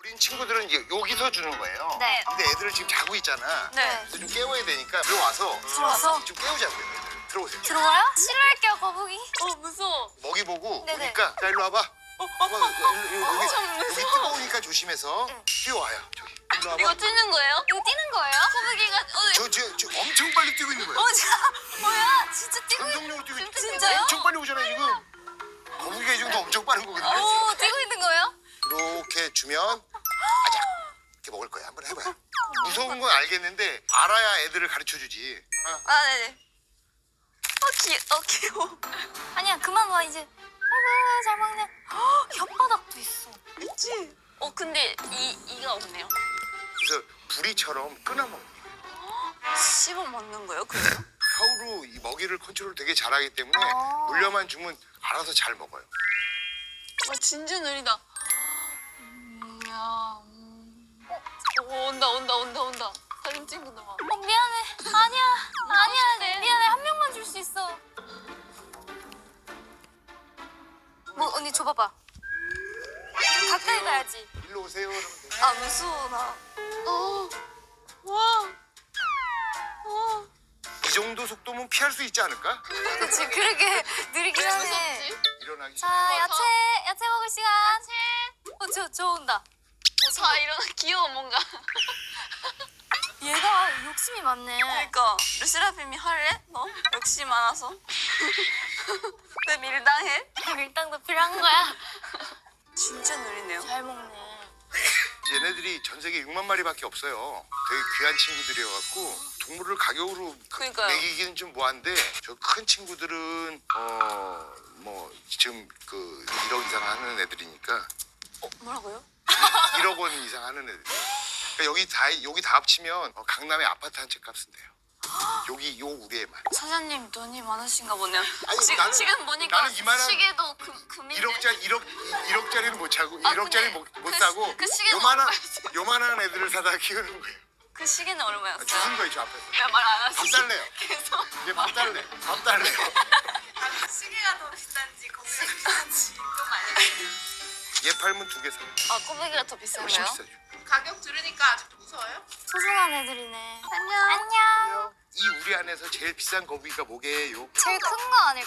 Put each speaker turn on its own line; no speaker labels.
우린 친구들은 이제 여기서 주는 거예요.
네.
근데 애들은 지금 자고 있잖아.
네.
그래서 좀 깨워야 되니까 들어와서 좀 깨우자고요. 애들. 들어오세요.
들어와요? 싫어할게요, 거북이.
무서워.
먹이 보고
네네.
오니까 자 일로 와봐. 여기
무서워.
뜨거우니까 조심해서 뛰어와요. 저기. 일로 와봐.
이거 뛰는 거예요?
이거 뛰는 거예요?
거북이가
저 엄청 빨리 뛰고 있는 거예요.
뭐야? 진짜 뛰고
감동적으로 뛰고 있는
진짜요?
엄청 빨리 오잖아요 지금. 거북이가 이 정도 엄청 빠른 거거든요.
오, 뛰고 있는 거예요?
이렇게 주면 아작 이렇게 먹을 거야. 한번 해봐요. 무서운 건 알겠는데 알아야 애들을 가르쳐 주지.
아, 네네. 귀여워.
아니야, 그만 와, 이제. 아이고, 잘 먹네. 헉, 혓바닥도 있어.
있지? 근데 이가 없네요.
그래서 부리처럼 끊어 먹는 거예요.
씹어 먹는 거예요, 그래요?
혀로 이 먹이를 컨트롤 되게 잘하기 때문에 물려만 주면 알아서 잘 먹어요.
진짜 느리다. 온다. 다른 친구도 막.
미안해. 아니야. 미안해. 한 명만 줄 수 있어. 뭐, 언니 줘봐봐. 가까이 가야지.
일로 오세요. 그러면 돼요.
아, 무서워, 나.
와.
이 정도 속도면 피할 수 있지 않을까?
그치, 그러게 느리긴 하네.
무섭지?
일어나기
자,
시작해.
야채 먹을 시간. 저 온다.
자, 일어나. 귀여워, 뭔가.
얘가 욕심이 많네.
그러니까 르세라핌이 할래? 너? 욕심 많아서. 왜 밀당해?
밀당도 필요한 거야.
진짜 느리네요.
잘 먹네.
얘네들이 전 세계 6만 마리밖에 없어요. 되게 귀한 친구들이어갖고 동물을 가격으로
그러니까요.
매기기는 좀 뭐한데 저 큰 친구들은 뭐 지금 그 1억 이상 하는 애들이니까
뭐라고요?
1억 원 이상 하는 애들. 그러니까 여기 다 합치면 강남의 아파트 한 채 값은 돼요. 여기 요 우리에만.
사장님 돈이 많으신가 보네요.
아니,
지금 보니까
나는 이만한
시계도 금인데.
1억짜리는 못 사고
아,
1억짜리
근데
못 사고
그 시계는
요만한 애들을 사다가 키우는 거예요.
그 시계는 얼마였어요?
주는 거예요 저 앞에서.
왜 말 안
밥
하시지?
달래요.
계속.
이제 밥 달래요.
시계가 더 비싼지 거기가 비싼지 좀 알려주세요.
얘 팔면 2개 사요.
아 꼬맹이가 더
훨씬
비싼가요?
비싸죠.
가격 들으니까 아직도 무서워요?
소중한 애들이네.
안녕.
안녕.
이 우리 안에서 제일 비싼 거북이가 뭐게요?
제일 큰 거 아닐까?